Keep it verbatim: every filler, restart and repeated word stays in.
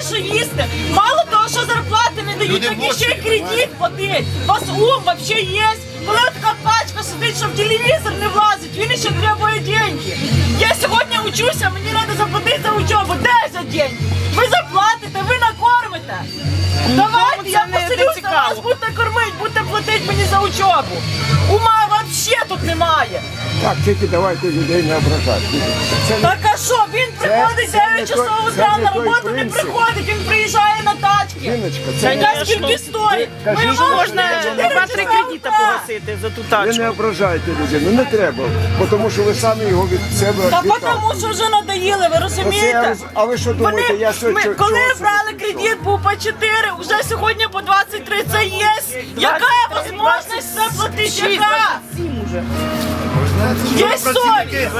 що їсти. Мало того, що зарплати не дають, так і ще й кредит платить. У вас ум взагалі є? Коли така пачка сидить, що в телевізор не влазить, він ще требує деньги. Я сьогодні учуся, мені треба заплатити за учебу. Де за деньги? Ви заплатите, ви накормите. Давайте, я поселюся, вас будете кормити, будете платити мені за учебу. Ума взагалі тут немає. Так, тільки давайте людей не ображати. Це не- Так а що, він приходить це не дев'ять часов той- утра це не на той роботу, не принцип. приходить, він приїжджає на тачки. Жіночка, це Яка не- скільки стоїть? Кажіть, Ми що можна можна два-три кредита погасити за ту Ви не ображайте людину, не треба, бо тому що ви самі його від себе Та відталкуєте. тому що вже надоїли, ви Оце я розумієте? роз- А ви що думаєте, Вони, я сьогодні... ми, чого- коли чого це брали пішов? кредит, був по чотири, вже сьогодні по двадцять три, це є. Яка можливість це платити? Яка? Є совість.